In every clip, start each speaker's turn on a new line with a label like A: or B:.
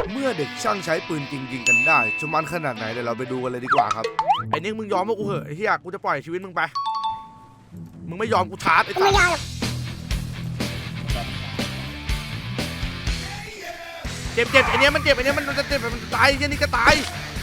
A: เมื่อเด็กช่างใช้ปืนจริงยิงกันได้จะมันขนาดไหนเดี๋ยวเราไปดูกันเลยดีกว่าครับไอ้นิกมึงยอมว่ากูเหอะไอ้เหี้ยกูจะปล่อยชีวิตมึงไปมึงไม่ยอมกูชาร์จไอ้สัสเจ็บไอ้เนี้ยมันเจ็บไอ้เนี้ยมันจะเจ็บมันตายไอ้นี่ก็ตาย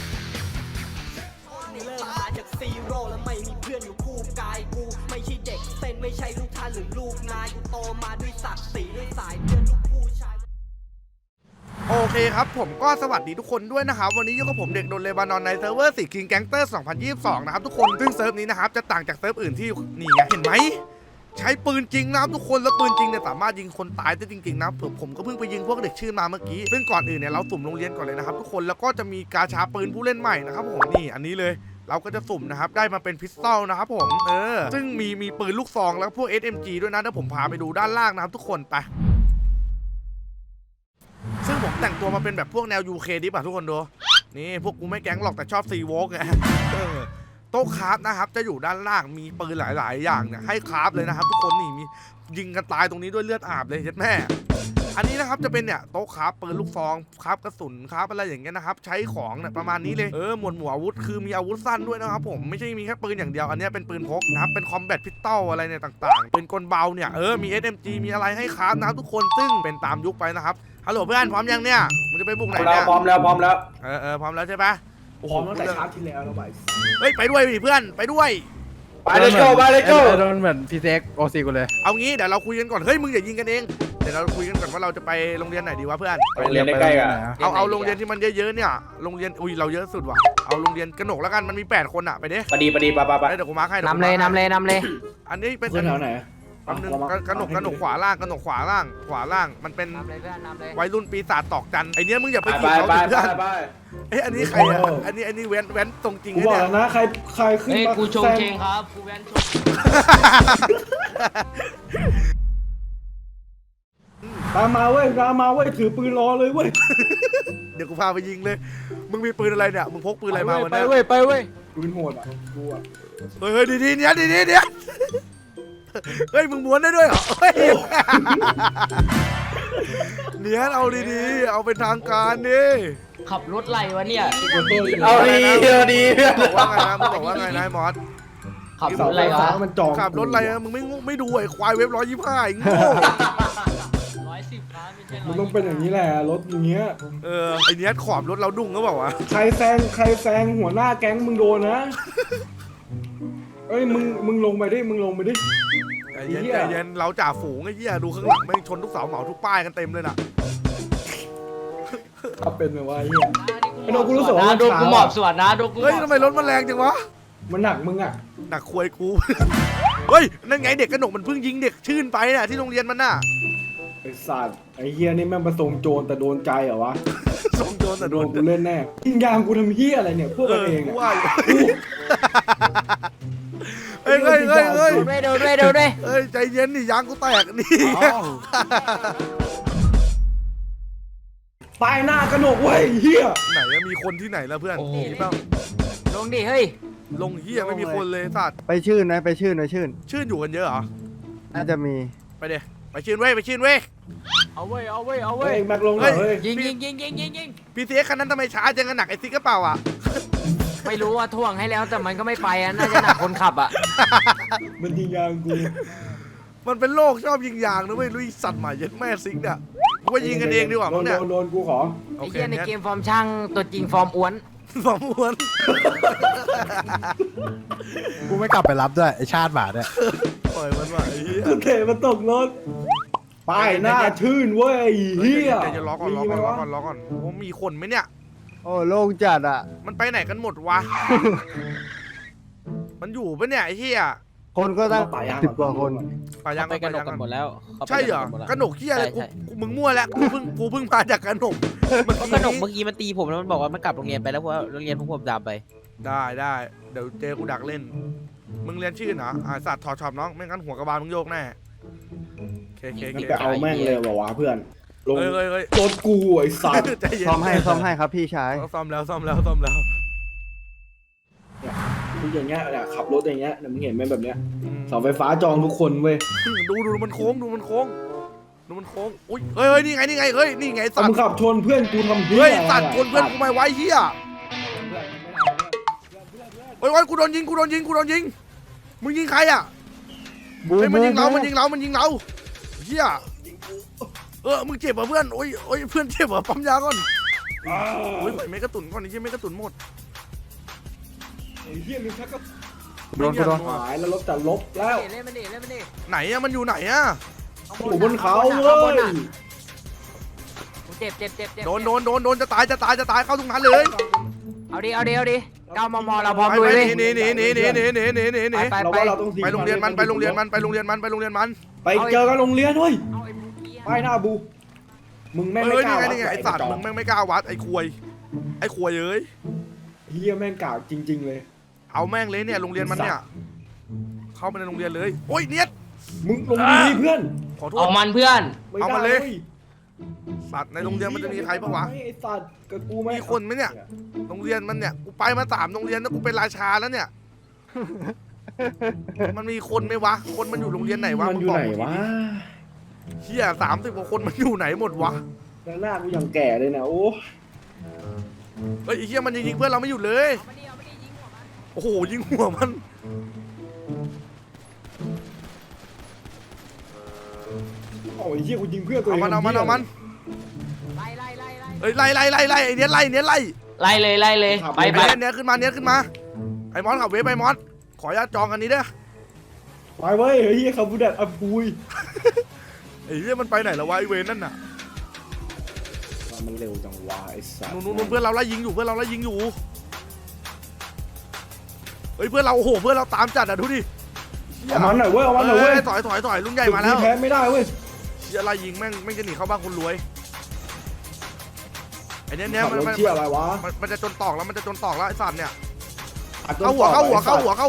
B: เริ่มมาจากซีโร่แล้วไม่มีเพื่อนอยู่คู่กายกูไม่ใช่เด็กเส้นไม่ใช่ลูกท่านหรือลูกนายกูโตมาด้วยศักดิ์ศรีด้วยสายเลือดลูกผู้ชาย
A: โอเคครับผมก็สวัสดีทุกคนด้วยนะครับวันนี้อยู่กับผมเด็กโดนเลบานอนในเซิร์ฟเวอร์Kill Gangster 2022นะครับทุกคนซึ่งเซิร์ฟนี้นะครับจะต่างจากเซิร์ฟอื่นที่นี่ไงเห็นไหมใช้ปืนจริงนะครับทุกคนแล้วปืนจริงเนี่ยสามารถยิงคนตายได้จริงๆนะผมก็เพิ่งไปยิงพวกเด็กชื่อมาเมื่อกี้ซึ่งก่อนอื่นเนี่ยเราสุ่มโรงเรียนก่อนเลยนะครับทุกคนแล้วก็จะมีกาชาปืนผู้เล่นใหม่นะครับผมนี่อันนี้เลยเราก็จะสุ่มนะครับได้มาเป็นพิสตอลนะครับผมซึ่งมีปืนลูกซองแล้วพวก SMG ด้วยนะเดี๋ยวผมพาไปดูด้านล่างนะครับทุกคนไปซึ่งผมแต่งตัวมาเป็นแบบพวกแนว UK ดิป่ะทุกคนดูนี่พวกกูไม่แก๊งหรอกแต่ชอบซีวอล์กไงโต๊ะคราฟนะครับจะอยู่ด้านล่างมีปืนหลายๆอย่างเนี่ยให้คราฟเลยนะครับทุกคนนี่มียิงกันตายตรงนี้ด้วยเลือดอาบเลยเห็นแม่อันนี้นะครับจะเป็นเนี่ยโต๊ะคราฟปืนลูกซองคราฟกระสุนคราฟอะไรอย่างเงี้ยนะครับใช้ของเนี่ยประมาณนี้เลยหมวดหมู่อาวุธคือมีอาวุธสั้นด้วยนะครับผมไม่ใช่มีแค่ปืนอย่างเดียวอันนี้เป็นปืนพกนะครับเป็นคอมแบทพิสตอลอะไรเนี่ยต่างๆปืนกลเบาเนี่ยมี SMG มีอะไรให้คราฟนะครับทุกคนซึ่งเป็นตามยุคไปนะครับฮัลโหลเพื่อนพร้อมยังเนี่ยมึงจะไปบุกไหนเนี่ย
C: พร้อมแล้วพร้อมแล้ว
A: พร้อมแล้วใช่ปะ
C: พร้อมตั้งแต่ชาร์จที่แล้วแล้วไป
A: เฮ้ยไปด้วยดิเพื่อนไปด้วย
C: ไปเลยโก้ไปเลยโก้
D: โดนเหมือนพีเซ็กโอซีกูเลย
A: เอางี้เดี๋ยวเราคุยกันก่อนเฮ้ยมึงอย่ายิงกันเองเดี๋ยวเราคุยกันก่อนว่าเราจะไปโรงเรียนไหนดีวะเพื่อน
C: โรงเรียนใกล้ๆกัน
A: เอาโรงเรียนที่มันเยอะๆเนี่ยโรงเรียนอุ้ยเราเยอะสุดว่ะเอาโรงเรียนกระหนกแล้วกันมันมี8คนอ่ะไปดิ
C: ปดีปะ
A: เดี๋ยวกูมาร์คให้
D: นำเลย
A: อันนี้เป็น
C: เพื่อนแถวไหน
A: อันนึงกระหนกขวาล่างมันเป็นวัยรุ่นปีศาจตอกจันไอเนี้ยมึงอย่าไปขี่เขาเพื่อนอันนี้ใครอ่ะอันนี้แว้นตรงจริง
C: กูบอกนะใครขึ้นมา
E: กูชงเชงครับกูแวนชง
C: ตามมาเว้ยถือปืนรอเลยเว้ย
A: เดี๋ยวกูพาไปยิงเลยมึงมีปืนอะไรเนี่ยมึงพกปืนอะไรมาวันนี้
D: ไปเว้ย
C: ปืนโหดอ่ะกูอ่ะ
A: เฮ้ยดีๆเนี่ยเฮ้ยมึงม้วนได้ด้วยเหรอเฮ้ยเนี่ยเอาดีๆเอาเป็นทางการดิ
E: ขับรถไรวะเนี่ย
C: เอาดี
A: บอกว่าไงนะมอส
E: ขับรถไรวะ
C: มันจอง
A: ขับรถอะไรมึงไม่ดูไอ้ควายเว็บ125โง่
E: 110ครับไม่ใช่
C: มันต้องเป็นอย่างนี้แหละรถอย่างเงี้ย
A: ไอเนี้ยขอบรถเราดุ้งก็บอกว่า
C: ใครแซงหัวหน้าแก๊งมึงโดนนะเอ้ยมึงลงไปดิ
A: ใจเย็นเราจ่าฝูงไอ้เหี้ยดูข้างหลังแม่งชนทุกเสาเหมาทุกป้ายกันเต็มเลยน่ะ
C: ถ้าเป็นแบบว่าเหี้ยไอ้โนกูรู้สึกว่า
E: ดูกูหมอบสวดนะดูกู
A: เฮ้ยทำไมรถมันแรงจังวะ
C: มันหนักมึงอ่ะ
A: หนักควยกูเฮ้ยนั่นไงเด็กกระหนกมันเพิ่งยิงเด็กชื่นไปน่ะที่โรงเรียนมันน่ะ
C: ไอ้สัตว์ไอ้เฮียนี่แม่งประสงโจรแต่โดนใจเหรอวะ
A: ส่งโจรแต่โดน
C: กูเล่นแน่ยิงยางกูทำเฮียอะไรเนี่ยพวกกันเองเนี่ย
A: เฮ้ย
E: ดูด้วย
A: ใจเย็นนี่ยางกูแตกนี่
C: ตายหน้ากระหนกเว้ยเฮีย
A: ไหนมีคนที่ไหนแล้วเพื่อนนี่เปล่า
E: ลงดิเฮ้ย
A: ลงเฮียไม่มีคนเลยสัตว์
D: ไปชื่น
A: อยู่กันเยอะเหรอ
D: น่าจะมี
A: ไปเดี๋ยวไปชื่นเว้ย
E: เอาเว้ย
C: แม็กลงเลย
E: ยิง
A: พี่เสียคันนั้นทำไมช้าจังกันหนักไอ้ซิกกระเป๋าอ่ะ
E: ไม่รู้ว่าท่วงให้แล้วแต่มันก็ไม่ไปอ่ะน่าจะหนักคนขับอ่ะ
C: มันยิงยางกู
A: มันเป็นโรคชอบยิงยางนะเว้ยลุยสัตว์ใหม่ยัดแม่ซิกเนี่ยกูว่ายิงกันเองดีกว่ามั้งเนี่ย
C: โดนกูขอ
E: ไอ้เหี้ยในเกมฟอร์มช่างตัวจริงฟอร์มอ้วน
D: กูไม่กลับไปรับด้วยไอชาติบาทเนี่ย
A: ปล่อยมันว่ะไอ้เหี้ย
C: เตะมันตกรถป้ายหน้าชื่นเว้ยเฮีย
A: จะล็อกก่อนโอ้มีคนไหมเนี่ย
D: โอ้โล่งจัดอ่ะ
A: มันไปไหนกันหมดวะมันอยู่ปะเนี่ยไอ้เหี้ย
D: คนก็ตั้ง10 กว่าคน
A: ป่ายัง
E: ไปกระหนกกันหมดแล้ว
A: ใช่เหรอกระหนกเหี้ยอะไรกูมึงมั่วแล้วกูเพิ่งมาจากกระหนก
E: กระหนกเมื่อกี้มันตีผมแล้วมันบอกว่ามันกลับโรงเรียนไปแล้วเพราะโรงเรียนผมดำไป
A: ได้เดี๋ยวเจอกูดักเล่นมึงเรียนชื่อเหรอสัตว์ถอดชอบน้องไม่งั้นหัวกระบาลมึงโยกแน่เค
C: แต่เอาแม่งเลยว่ะเพื่อนลงรถกูไอ้สัตว์
D: ซ่อมให้ครับพี่ชาย
A: ซ่อมแล้ว
C: ทุกอย่างเงี้ยขับรถอย่างเงี้ยมึงเห็นไหมแบบเนี้ยเสาไฟฟ้าจองทุกคนเว้ย
A: ดูมันโค้งดูมันโค้งอุ้ยเฮ้ยนี่ไงนี่ไงเฮ้ยนี่ไงสัต
C: มึง
A: ว์
C: ขับชนเพื่อนกูทำเหี้
A: เฮ้ย
C: อะไร
A: สัตว์คนเพื่อนกูไม่ไว้เฮียโอ้ยกูโดนยิงมึงยิงใครอ่ะ
D: บู
A: เฮ้ยมันยิงเรา
D: บู
A: มันยิงเราเฮียมึงเจ็บเหรอเพื่อนโอ้ยเพื่อนเจ็บเหรอปั๊มยาก่อนโอ้ยไม่กระตุนก่อนนี่ใช่ไม่กระตุนหมด
C: ไอ้เหี้ยมึงชักก็
D: โดนกูโดน
C: หายแล้วรถจะลบแล้ว
E: เล่นมันดิเล่นมันดิ
A: ไหนอะมันอยู่ไหนอะ
C: อยู่บนเขาเว้ย
E: เจ็บเจ็บเจ็บ
A: โดนจะตายเข้าตรงนั้นเลย
E: เอาดิ9 มมเราพร้อม
A: ไป
E: ลุย
A: ไป
E: เลย
A: หนี
E: ไป
C: เราว่าเราต้อง
A: ไปโรงเรียนมัน
C: ไปเจอกันโรงเรียนเว้ยไปหน้าบูมึงแม่งไม่
A: เฮ้ย
C: กล้า
A: นี่ไงไอ้สัตว์มึงแม่งไม่กล้าวัดไอ้ควยเอ้ย
C: เหี้ยแม่งกล้าจริงๆเลย
A: เอาแม่งเลยเนี่ยโรงเรียนมันเนี่ยเข้าไปในโรงเรียนเลยโอ้ยเนียด
C: มึงลงดีๆเพื่อน
A: ขอโท
E: ออ
A: ษ
E: กมันเพื่อน
C: ไม่
A: เอา
C: ได้
A: มาเลย
C: ว้
A: สัตว์ในโรงเรียนมันจะมีใครปะวะ
C: ไอ้สัตว์กับกูไหม
A: มีคนไหมเนี่ย โรงเรียนมันเนี่ยกูไปมา3โรงเรียนแล้วกูเป็นราชาแล้วเนี่ย มันมีคนไหมวะคนมันอยู่โรงเรียนไหนวะ
C: มันอยู่ไหนวะ
A: เฮีย30 กว่าคนมันอยู่ไหนหมดวะ
C: แล้วหน้ากูยังแก่เลยนะโอ้
A: เฮ้ยไอ้เฮียมันยิงเพื่อนเราไม่หยุดเลย โอ้โหยิงหัวมัน
C: โอ้ยเหี้ยกูยิงเพื่อนตัวเอ
A: เอา
C: ง
A: มันเอ้ยไล่ไอ้เนี้ยไล่
E: ไล่เลยไป
A: ไอ้เนี้ยขึ้นมาไอ้มอสขับเวฟไปมอสขออนุญาตจองอันนี้เด้อ
C: ไปเว้ยเฮียคาบูดัดอับปุย
A: ไอ้เฮียมันไปไหนแล้ววะไอ้เวรนั่นน่ะ
C: มันเร็วจังวะไอ้สัตว์
A: นู่นเพื่อนเราไล่ยิงอยู่เฮ้ยเพื่อนเราโอ้โหเพื่อนเราตามจัดอ่ะดูดิ
C: เอามันหน่อยเว้ยเอามันหน่อยเว้ย
A: ถอยลุงใหญ่มาแล้ว
C: แพ้ไม่ได้เว้ย
A: เฮียไล่ยิงแม่งจะหนีเข้าบ้านคนรวยไอ้เนี้ย
C: ขับรถเชี่ยอะไรวะ
A: มันจะจนตอกแล้วไอ้สัตว์เนี่ย
C: อัด
A: เข้าหัว
C: หายแล้ว
A: เข้าหัวอีก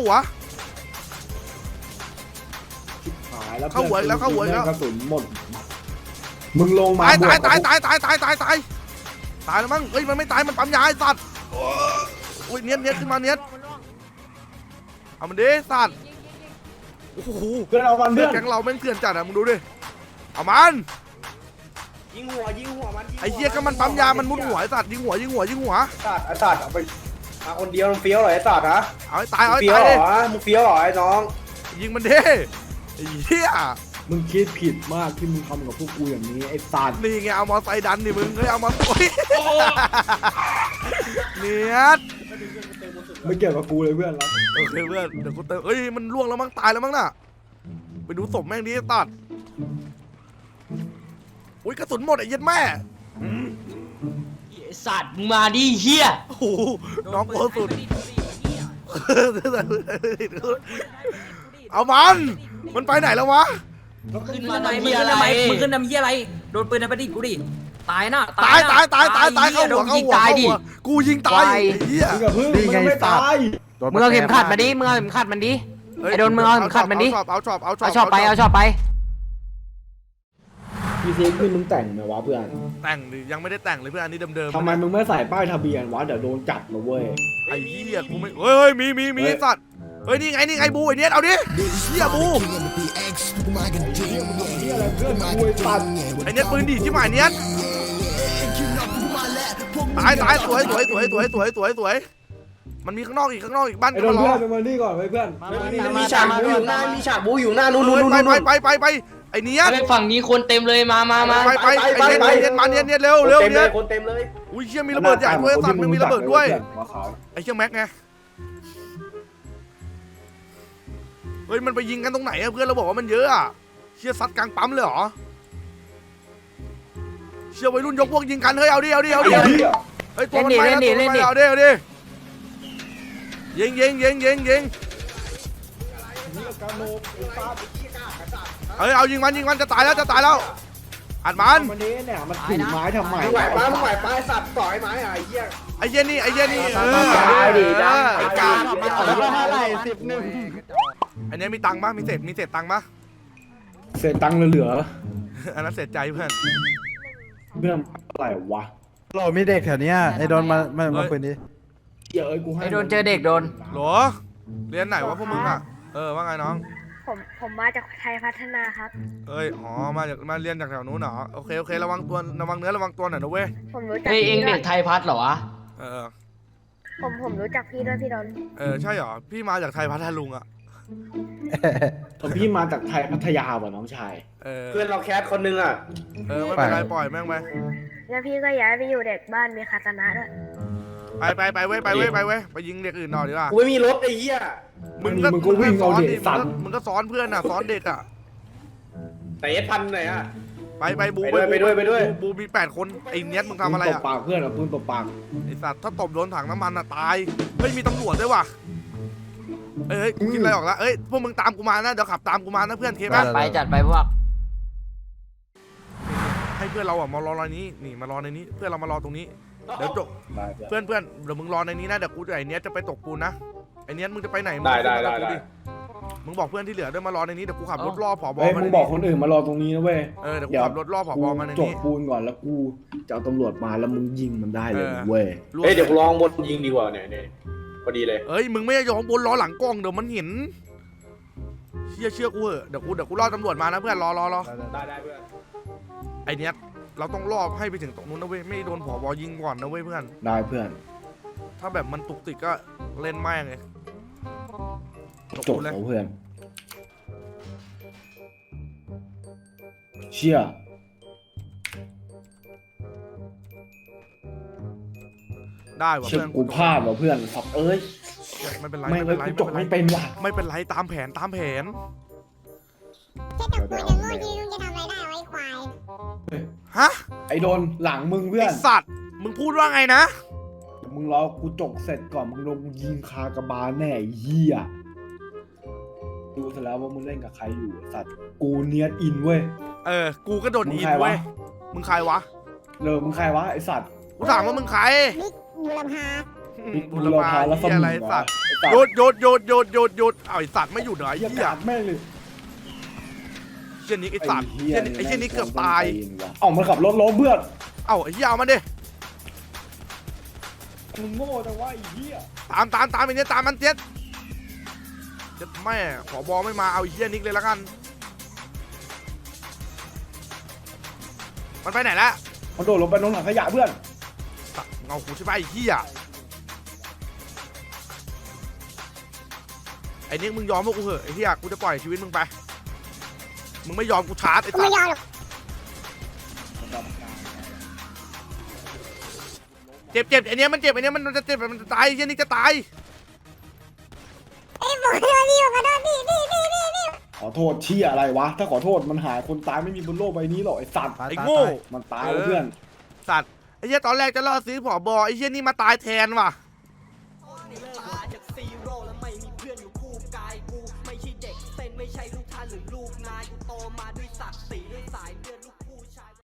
A: แล้ว
C: กระสุนหมดมึงลงมา
A: ตาย
C: บวกกับ
A: ตายแล้วมั้งเฮ้ยมันไม่ตายมันปั๊มยาไอ้สัตว์อุ้ยเนี้ยขึ้นมาเนี้ยเอามันดิสัตว์โอ้โห
C: เพื่อนเอามัน
A: เพื่
C: เพื่
A: อ
C: อน น
A: แก๊งเราแม่งเถื่อนจัดอ่ะมึงดูดิเอามัน
C: ยิงหัวมัน
A: ไอ้เหี้ยก็มันปั๊มยามันมุดหัวไอ้สัตว์ยิงหัว
C: สัตว์ไอ้สัตว์เอาไปมาคนเดียวมึงเฟี้ยวเหรอไอ้สัตว์ฮะ
A: เอาให้ตาย
C: เฟี้ยว
A: ดิ
C: เหรอมึงเฟี้ยวเหรอไอ้น้อง
A: ยิงมันดิไอ้เหี้ย
C: มึงคิดผิดมากที่มึงทำกับพวกกูอย่างนี้ไอ้สัตว์
A: นี่ไงเอามอไซค์ดันนี่มึงเฮ้ยเอามาโอ้ยเนียด
C: ไม่เกี่ยวกับกูเลยเพื่อนรัก
A: โอเคเพื่อนเดี๋ยวกูเติมเอ้ยมันล่วงแล้วมั้งตายแล้วมั้งน่ะไปดูศพแม่งดิตัดอุ้ยกระสุนหมดไอ้เหี้ย็ดแม่
E: สัตว์มึงมาดิเฮีย
A: โอ้โหน้องโคตรสุดเอามันไปไหนแล้ววะ
E: ขึ้นมา
F: มึง
E: ทำเฮี
F: ขึ้
E: ย
F: น
E: อะไร
F: ทำไมมึงขึ้นทำเหี้ยอะไร โดนปืนในประดิษฐ์กูดิ ตายนะ
A: ตายเข้า
F: โด
A: หัวน
F: ยิงตายดิ
A: กูยิงตายไอ้เหี้ย
C: มึงกับเพื่อนมึงยังไม่ตาย
E: มึงเอาเข็มขัดมาดิมึงเอาเข็มขัดมันดิ ไอ้โดนมึงเอาเข็มขัดมันดิ
A: เอาชอบ
E: เอาชอบไป
C: พี่เซ็กคือมึงแต่งไหมวะเพื่อน
A: แต่งดิยังไม่ได้แต่งเลยเพื่อนอันนี้เดิมๆ
C: ทำไมมึงไม่ใส่ป้ายทะเบียนวะเดี๋ยวโดนจับนะเว้ย
A: ไอ้เหี้ยกูไม่เฮ้ยมีสัตว์เฮ้ยนี่ไงบูไอ้เนี้ยเอาดิเหี้ยบู
C: นี่อะไรเพื่อนกูไอ้สัตว์
A: ไอ้เนี้ยปืนดีที่หมายเนี้ยตายสวยมันมีข้างนอกอีกบ้าน
C: ไอ้
A: ก็
C: โดน
A: มารอ
C: เพื่อนไปมานี่ก่อนไว้เพื่อน
F: มีฉากบูอยู่หน้ามีฉากบูอยู่หน้านู่น
A: ไปไอ้เนี้ย
E: ไปฝั่งนี้คนเต็มเลยมา
A: ไปไอ้เนี้ยมาเนี้ยเร็ว
C: เต็มเล
A: เนี้
C: ย
A: ย
C: คนเต็มเลย
A: อุ้ยเชี่ยมีระเบิดใหญ่ด้วยสัตว์มันมีระเบิดด้วยไอ้เชี่ยแม็กไงเฮ้ยมันไปยิงกันตรงไหนอะเพื่อนเราบอกว่ามันเยอะอะเชี่ยซัดกลางปั๊มเลยเหรอเชี่ยวัยรุ่นยกพวกยิงกันเฮ้ยเอาดิเฮ้ยตัวมันไปแล้วเอาดิยิงเฮ้ยเอายิงมันจะตายแล้วอัดมัน
C: วันนี้เนี่ยมันถือไม้ทำไม
F: มึงไหวป้าไอ้สัตว์ต่อยไม้ไอ้เหี้ย
A: ไอ้เหี้ยนี่ไอ้กา
D: แล้วก็เท่าไหร่11
A: อันนี้มีตังค์ปะมีเศษตังค์ปะ
C: เศษตังค์เหลือ
A: อันนั้นเศษใจเพื่อน
C: เพื่อนอะไรวะ
D: โหลมีเด็กแถวเนี้ยไอ้โดนมาปืนดิ
C: เดี๋ยวกูให้
E: ไอ้โดนเจอเด็กโดน
A: หรอเรียนไหนวะพวกมึงอ่ะว่าไงน้อง
G: ผมมาจากไทยพัฒนาครับ
A: เอ้ยอ๋อมาเรียนจากแถวนู้นเหรอโอเคระวังตัวระวังเนื้อระวังตัวหน่อยนะเว้ย
G: ผมรู้จัก
F: เฮ้ยเอง
G: พี่ด้
F: เด็
G: วย
F: กไทยพัฒน์เหรอวะ
A: เออ
G: ผมรู้จักพี่ด้วยพี่ดน
A: ใช่เหรอพี่มาจากไทยพัทลุงอ่ะ
C: แต่พี่มาจากไทยพัทยาว่ะน้องชาย
H: เพื่อนเราแคสคนนึงอ่ะ
A: ไม่เป็นไรปล่อยแม่งไป
G: แล้วพี่ก็ย้ายไปอยู่เด็กบ้านมีคาตนะด้วย
A: ไปเว้ยไปยิงเด็กอื่นหน่อยดีกว่า
H: กูไม่มีรถไอ้เหี้ย
C: มึงก็วิ่งเอาเด็กสัตว์
A: มึงก็สอนเพื่อนอ่ะสอนเด็กอ่ะ
H: แต่เอสพันไหนอ่ะ
A: ไปบู
H: ไปด้วย
A: บูมี8 คนไอ้เนี้ยมึงทำอะไร
C: ปืนต
A: อ่ะ
C: บปากเพื่อนอ่ะปืนตบปาก
A: ไอ้สัตว์ถ้าตบโดนถังน้ำมันอ่ะตายเฮ้ยมีตำรวจด้วยว่ะเฮ้ยกูคิดอะไรออกแล้วเอ้ยพวกมึงตามกูมานะเดี๋ยวขับตามกูมานะเพื่อนเคป่ะ
F: ไปจัดไปพวก
A: ให้เพื่อนเราอ่ะมารอในนี้นี่มารอในนี้เพื่อนเรามารอตรงนี้เดี๋ยวจบ
C: ได้
A: เพื่อนเดี๋ยวมึงรอในนี้นะเดี๋ยวกูไอ้เนี้ยจะไปตกปูนนะไอ้เนี้ยมึงจะไปไหน มึงบอกเพื่อนที่เหลือด้วยมารอในนี้เดี๋ยวกูขับรถล่อผบ
C: เฮ้ย
A: มา
C: มึงบอกคนอื่นมารอตรงนี้นะเว้ย
A: เดี๋ยวกูขับรถล่อผ
C: กู
A: บมาใน
C: จก
A: นี้
C: ปูนก่อนแล้วกูจะเอาตำรวจมาแล้วมึงยิงมันได้เลย
A: เออ
C: เว้ย
H: เฮ้ยเดี๋ยวกูลองบนยิงดีกว่าเนี่ยพอดีเลย
A: เอ้ยมึงไม่ยอมบนล้อหลังกล้องเดี๋ยวมันเห็นเชื่อกูเหอะเดี๋ยวกูล่อตำรวจมานะเพื่อนรอ
H: ได้เพื่อน
A: ไอเนี้ยเราต้องล่อให้ไปถึงตรงนู้นนะเว้ยไม่โดนผบยิงก่อนนะเว้ยเพื่อน
C: ได้เพื่อน
A: ถ้าแบบมันตุกติกก็เล่นแม่งเลยตก
C: จบ
A: ปูนเลย
C: แล้วเพื่อน เชี่ย
A: ได้ว่ะ
C: เชี่ย
A: เพื่อน
C: กูพลาดว่ะเพื่อนสับเอ้ย
A: ไม่เป็นไร
C: ไม่
A: ไม่
C: เล
A: เป็
C: ย
A: นไร
C: กูจบไม่เป็นว่ะ
A: ไม่เป็นไรตามแผน
G: แค่แต่กูยังโง่จริงจะทำอะไรได้ไว้ควาย
A: ฮะ
C: ไอ้โดนหลังมึงเพื่
A: ไอ
C: อน
A: สัตว์มึงพูดว่าไงนะ
C: มึงรอกูจกเสร็จก่อนมึงลงยิงคากระบาลแน่ไอ้เหี้ยดูเสร็จแล้วว่ามึงเล่นกับใครอยู่ไอ้สัตว์กูเนียดอินเว้ย
A: กูก็โดน
C: มึง
A: อิน
C: ใครวะ
A: เว้ยมึงใครวะ
C: มึงใครวะไอ้สัตว์
A: กูถามว่ามึงใคร
G: บิ๊กบูรพา
A: บุรพา
C: แล้วส
A: เหี้ย
C: มุ
A: อะไร
C: น
A: สัตว์
C: ไอ้สัต
A: หยุ
C: ว์
A: ดเอาไอสัตว์ไม่หยุดเหรอไอ้
C: เหี้ย
A: เหี้ย
C: กาดแม่งเลย
A: เชี่ยนี้ไอสัตว์เชี่ยไอเชี่ยนี้เกือบตาย
C: เอ้ามันขับรถล้มเพื่อน
A: เอ้าไอ้เหี้ยเอามันดิ
C: มึงโง่แต่ว่าไอ้เหี้ย
A: ตามไอ้เนี้ยตามมันเจ็ดแม่ขอบอไม่มาเอาไอ้เหี้ยนิกเลยละกันมันไปไหนละ
C: มันโดดลงไปลงถังขยะเพื่อน
A: เงากูใช่ไหมไอ้เหี้ยไอ้นิกมึงยอมพวกกูเหอะไอ้เหี้ยกูจะปล่อยชีวิตมึงไปมึงไม่ยอมกูชาร์จไอ้
G: กู
A: สั
G: ไม่
A: ตว์
G: ยอมหรอก
A: เจ็บไอ้เนี้ยมันเจ็บไอ้เนี้ยมันจะเจ็บมันจะตายไอ้เหี้ยนิกจะตาย
G: ไอ้บอกเลยพี่ขอโทษพี่
C: ขอโทษเชี่ยอะไรวะ ถ้าขอโทษมันหายคนตายไม่มีบนโลกใบนี้หรอกไอ้สัตว์
A: ไอ้โง่
C: มันตายแล้วเพื่อน
A: สัตว์ไอ้เหี้ยตอนแรกจะล่อซื้อผอบอไอ้เหี้ยนี่มาตายแทนว่ะ
B: มาจากซีโร่แล้วไม่มีเพื่อนอยู่คู่กายกูไม่ใช่เด็กเส้นไม่ใช่ลูกท่านหรือลูกนายกูโตมาด้วยศักดิ์ศรี